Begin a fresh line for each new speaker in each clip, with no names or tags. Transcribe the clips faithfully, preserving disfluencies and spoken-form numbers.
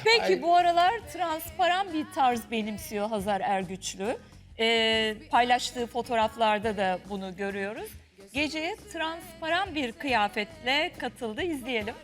Peki
Ay.
bu aralar transparan bir tarz benimsiyor Hazar Ergüçlü. Ee, paylaştığı fotoğraflarda da bunu görüyoruz. Geceye transparan bir kıyafetle katıldı. İzleyelim.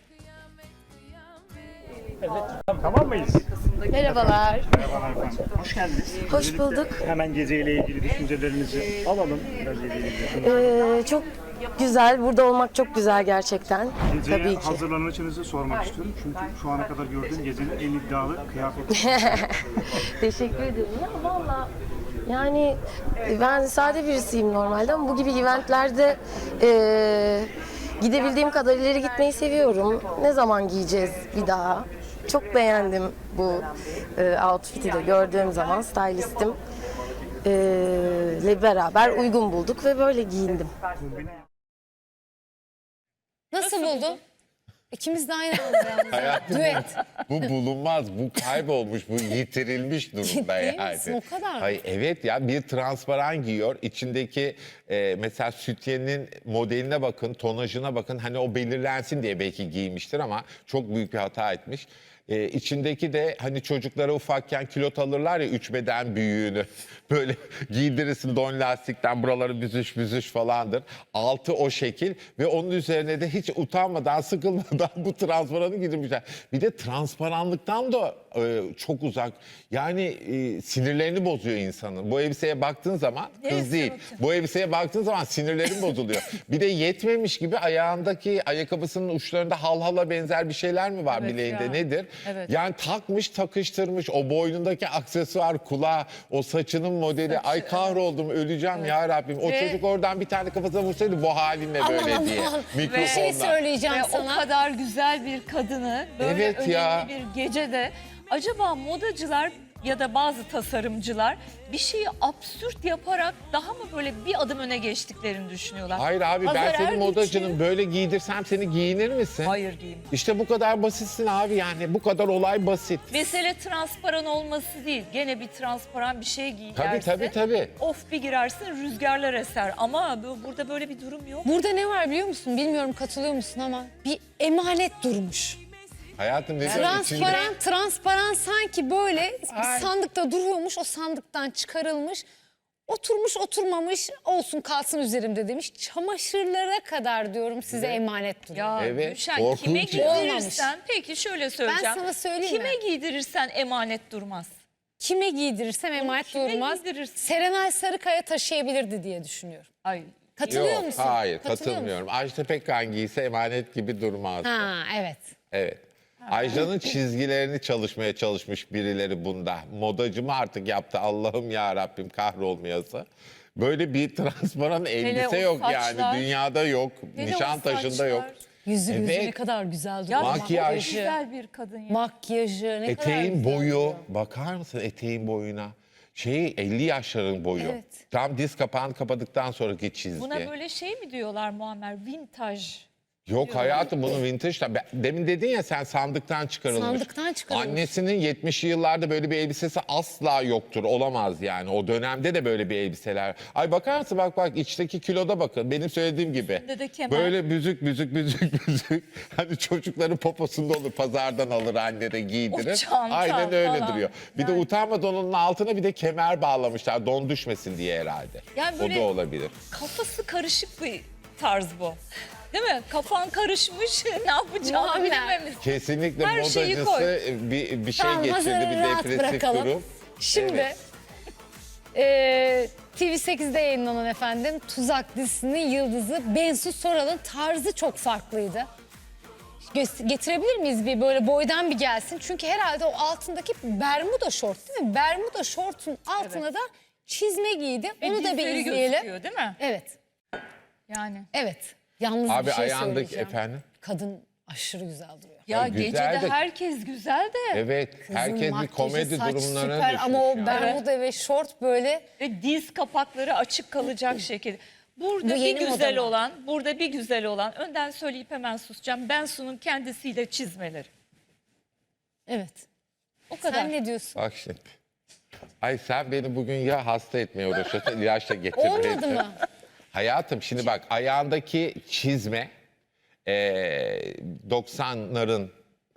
Evet, tamam mıyız?
Merhabalar.
Merhabalar efendim. Hoş geldiniz.
Hoş
Öncelikle
bulduk.
Hemen geceyle ilgili düşüncelerinizi alalım. Geceyle ilgili.
Ee, çok güzel. Burada olmak çok güzel gerçekten.
Geceye
Tabii ki.
hazırlanışınızı sormak istiyorum. Çünkü şu ana kadar gördüğüm gecenin en iddialı kıyafeti.
Teşekkür ederim. Ya valla yani ben sade birisiyim normalde ama bu gibi eventlerde e, gidebildiğim kadar ileri gitmeyi seviyorum. Ne zaman giyeceğiz bir daha? Çok beğendim bu e, outfit'i de gördüğüm zaman stylistim e, ile beraber uygun bulduk ve böyle giyindim.
Nasıl buldun? İkimiz de aynı anda yalnız.
Hayatım,
Düet.
bu bulunmaz, bu kaybolmuş, bu yitirilmiş durumda
Ciddi
yani.
misin? O kadar mı?
Hayır, evet ya, bir transparan giyiyor. İçindeki e, mesela sütyenin modeline bakın, tonajına bakın. Hani o belirlensin diye belki giymiştir ama çok büyük bir hata etmiş. E, içindeki de hani çocuklara ufakken kilot alırlar ya, üç beden büyüğünü. Böyle giydirirsin don lastikten, buraları büzüş büzüş falandır. Altı o şekil ve onun üzerine de hiç utanmadan, sıkılmadan bu transparanı giydirmişler. Bir de transparanlıktan da e, çok uzak. Yani e, sinirlerini bozuyor insanın. Bu elbiseye baktığın zaman, kız
Neresi
değil.
bakacağım?
Bu elbiseye baktığın zaman sinirlerin bozuluyor. Bir de yetmemiş gibi ayağındaki ayakkabısının uçlarında halhala benzer bir şeyler mi var
Evet
bileğinde,
ya.
nedir?
Evet.
Yani takmış takıştırmış, o boynundaki aksesuar, kulağı, o saçının modeli.
Saçı,
Ay kahroldum, öleceğim ya Rabbim. O
Ve-
çocuk oradan bir tane kafasına vursaydı bu halinle
Aman
böyle
aman.
diye.
Bir
Mikrofonla.
şey söyleyeceğim
Ve
sana.
o kadar güzel bir kadını böyle
Evet
önemli
ya.
bir gecede acaba modacılar ya da bazı tasarımcılar bir şeyi absürt yaparak daha mı böyle bir adım öne geçtiklerini düşünüyorlar?
Hayır abi, ben
Hazar
senin
Ergüçlü-
modacının, böyle giydirsem seni giyinir misin?
Hayır giyeyim.
İşte bu kadar basitsin abi, yani bu kadar olay basit.
Mesele transparan olması değil. Gene bir transparan bir şey giyersin.
Tabii tabii tabii.
Of bir girersin rüzgarlar eser. Ama bu- burada böyle bir durum yok.
Burada ne var biliyor musun? Bilmiyorum katılıyor musun ama bir emanet durmuş.
Hayatım ne diyorsun içinde?
Transparan, transparan sanki böyle bir sandıkta duruyormuş, o sandıktan çıkarılmış. Oturmuş oturmamış olsun kalsın üzerimde demiş. Çamaşırlara kadar diyorum size emanet duruyor.
Ya
Evet,
Gülşen,
korkunç
kime
ya.
giydirirsen, peki şöyle söyleyeceğim.
sana söyleyeyim
Kime
mi?
giydirirsen emanet durmaz.
Kime giydirirsem emanet
kime
durmaz.
giydirirsin?
Serenay Sarıkaya taşıyabilirdi diye düşünüyorum.
Ay.
Katılıyor
Yok,
musun?
hayır
Katılıyor
katılmıyorum. Ajda Pekkan giyse emanet gibi durmaz.
Ha evet.
Evet. Ajda'nın çizgilerini çalışmaya çalışmış birileri bunda. Modacı mı artık yaptı, Allah'ım ya Rabbim kahrolmayası. Böyle bir transparan elbise
o
yok
saçlar.
yani, dünyada yok,
Hele o
Nişantaşı'nda yok.
saçlar.
Yüzü yüzü
Evet.
ne kadar güzel
Ya
duruyor.
Makyaj.
çok güzel bir kadın ya.
Makyajı ne kadar
Eteğin
güzel
boyu,
duruyor.
bakar mısın eteğin boyuna? Şey, elli yaşların boyu.
Evet.
Tam diz kapağını kapadıktan sonraki çizgi.
Buna böyle şey mi diyorlar Muammer? Vintaj.
Yok hayatım, bunu vintage. Ben- Demin dedin ya sen, sandıktan çıkarılmış.
Sandıktan çıkarılmış.
Annesinin yetmişli yıllarda böyle bir elbisesi asla yoktur. Olamaz yani. O dönemde de böyle bir elbiseler. Ay bakar mısın, bak bak içteki kiloda bakın. Benim söylediğim gibi.
Üstünde de kemer.
Böyle büzük büzük büzük büzük. Hani çocukların poposunda olur, pazardan alır anne de giydirir.
O çanta
Aynen öyle
falan.
duruyor. Bir de
Yani.
utanmadan onun altına bir de kemer bağlamışlar. Don düşmesin diye herhalde.
Yani
O
böyle-
da olabilir.
Kafası karışık bir tarz bu. Değil mi? Kafan karışmış, ne yapacağını
Muammer.
bilememiş.
Kesinlikle
Her şeyi
modacısı
koy.
bir, bir şey
Tamam,
geçirdi,
Hazar'ı
bir
rahat
depresif
bırakalım.
durum.
Şimdi
Evet.
eee, T V sekizde yayınlanan efendim Tuzak dizisinin yıldızı Bensu Soral'ın tarzı çok farklıydı. Gö- Getirebilir miyiz bir böyle boydan bir gelsin? Çünkü herhalde o altındaki bermuda şort değil mi? Bermuda şortun altına da çizme giydi.
Ve
Onu da bir
dizleri
izleyelim.
gözüküyor, değil mi?
Evet,
Yani.
evet. Yalnız
Abi
bir şey
ayağındaki
söyleyeceğim.
efendim.
Kadın aşırı güzel duruyor.
Ya
Ya güzel
gecede
de-
herkes güzel de
Evet,
Kızın
herkes bir
makyajı,
komedi
saç
durumlarına
süper
düşmüş
ama o
yani.
bermuda ve şort böyle
ve diz kapakları açık kalacak şekilde. Burada
Bu
bir
yeni moda
güzel
mı?
olan, burada bir güzel olan, önden söyleyip hemen susacağım. Bensu'nun kendisiyle çizmeleri.
evet.
O kadar.
Sen ne diyorsun?
Bak şimdi. Ay sen beni bugün ya hasta etmeye uğraşıyorsun, ilaçla getirmeye.
Olmadı mı?
Hayatım şimdi bak, ayağındaki çizme eee doksanların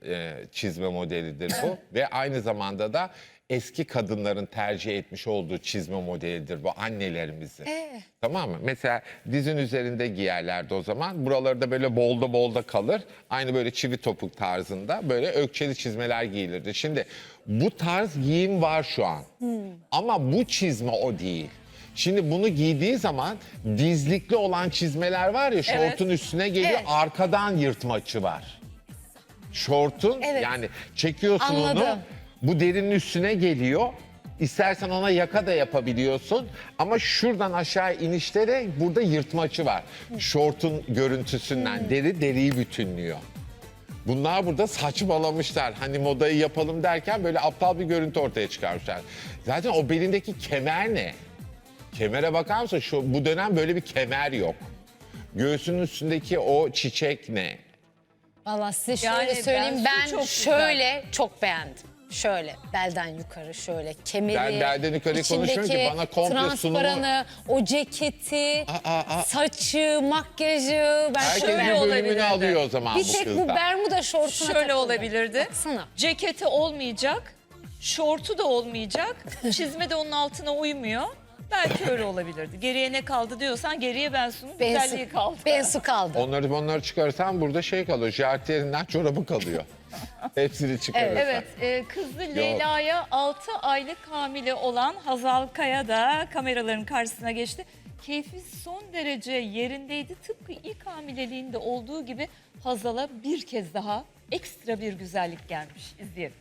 e, çizme modelidir bu. Ve aynı zamanda da eski kadınların tercih etmiş olduğu çizme modelidir bu, annelerimizin.
Ee?
Tamam mı? Mesela dizin üzerinde giyerlerdi o zaman. Buraları da böyle bolda bolda kalır. Aynı böyle çivi topuk tarzında böyle ökçeli çizmeler giyilirdi. Şimdi bu tarz giyim var şu an. Ama bu çizme o değil. Şimdi bunu giydiği zaman dizlikli olan çizmeler var ya, şortun üstüne geliyor,
Evet.
arkadan yırtmaçı var. Şortun
Evet.
yani çekiyorsun onu,
Anladım.
bu derinin üstüne geliyor. İstersen ona yaka da yapabiliyorsun ama şuradan aşağı inişte de burada yırtmaçı var. Şortun görüntüsünden deri deriyi bütünlüyor. Bunlar burada saçmalamışlar. Hani modayı yapalım derken böyle aptal bir görüntü ortaya çıkarmışlar. Zaten o belindeki kemer ne? Kemere bakar mısın? Şu, bu dönem böyle bir kemer yok. Göğsünün üstündeki o çiçek ne?
Valla size şöyle
Yani
söyleyeyim,
ben
ben
çok güzel.
şöyle çok beğendim. Şöyle belden yukarı şöyle kemeri,
Ben belden yukarı konuşmuyorum ki,
içindeki
bana komple
transparanı, o ceketi,
Aa, aa.
saçı, makyajı ben
Herkes
çok
bir
beğendim.
olabilirdi.
bölümünü alıyor o zaman
Bir
bu
tek bu
kızda.
bermuda şortuna
Şöyle
takıldım.
olabilirdi.
Baksana.
Ceketi olmayacak, şortu da olmayacak, çizme de onun altına uymuyor. Belki öyle olabilirdi. Geriye ne kaldı diyorsan geriye Bensu'nun güzelliği kaldı.
Bensu kaldı.
Onları onları çıkarırsan burada şey kalıyor. Jartiyerinden çorabı kalıyor. Hepsini çıkarırsan.
Evet, e, kızı Leyla'ya altı aylık hamile olan Hazal Kaya da kameraların karşısına geçti. Keyfi son derece yerindeydi. Tıpkı ilk hamileliğinde olduğu gibi Hazal'a bir kez daha ekstra bir güzellik gelmiş. İzleyelim.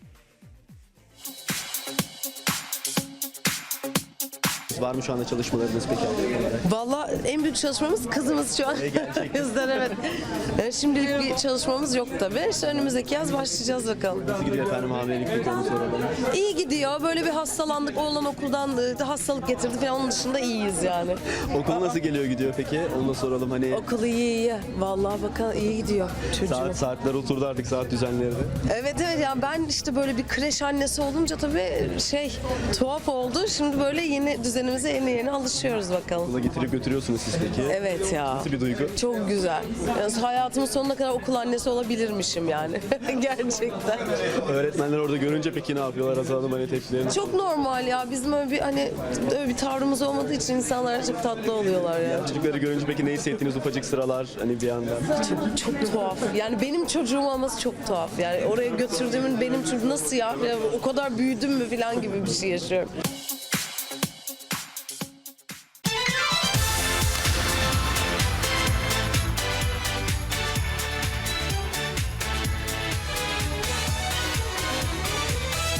Var mı şu anda çalışmalarınız peki?
Valla en büyük çalışmamız kızımız şu an. Bizden evet. Ee, Şimdilik bir çalışmamız yok tabii. İşte önümüzdeki yaz başlayacağız bakalım.
Nasıl gidiyor efendim hamilelik peki, onu soralım.
İyi gidiyor. Böyle bir hastalandık. Oğlan okuldan e, hastalık getirdi falan. Onun dışında iyiyiz yani.
Okul nasıl geliyor gidiyor peki? Onu da soralım hani.
Okul iyi iyi. Vallahi bakalım iyi gidiyor çocuğum.
Saat saatler oturdu artık, saat düzenleri.
Evet evet yani ben işte böyle bir kreş annesi olunca tabii şey tuhaf oldu. Şimdi böyle yeni düzenimize yeni yeni alışıyoruz bakalım.
Okula getirip götürüyorsunuz siz peki.
Evet ya.
Nasıl bir duygu?
Çok güzel. Yani hayatımın sonuna kadar okul annesi olabilirmişim yani. Gerçekten.
Öğretmenler orada görünce peki ne yapıyorlar Hazal Hanım, hani tepkilerini?
Çok normal ya. Bizim öyle bir hani öyle bir tavrımız olmadığı için insanlar çok tatlı oluyorlar ya.
Çocukları görünce peki ne hissettiniz, ufacık sıralar hani bir yandan?
Çok, çok tuhaf. Yani benim çocuğum olması çok tuhaf. Yani oraya götürdüğümün benim çocuğum nasıl ya? Ya o kadar büyüdüm mü falan gibi bir şey yaşıyorum.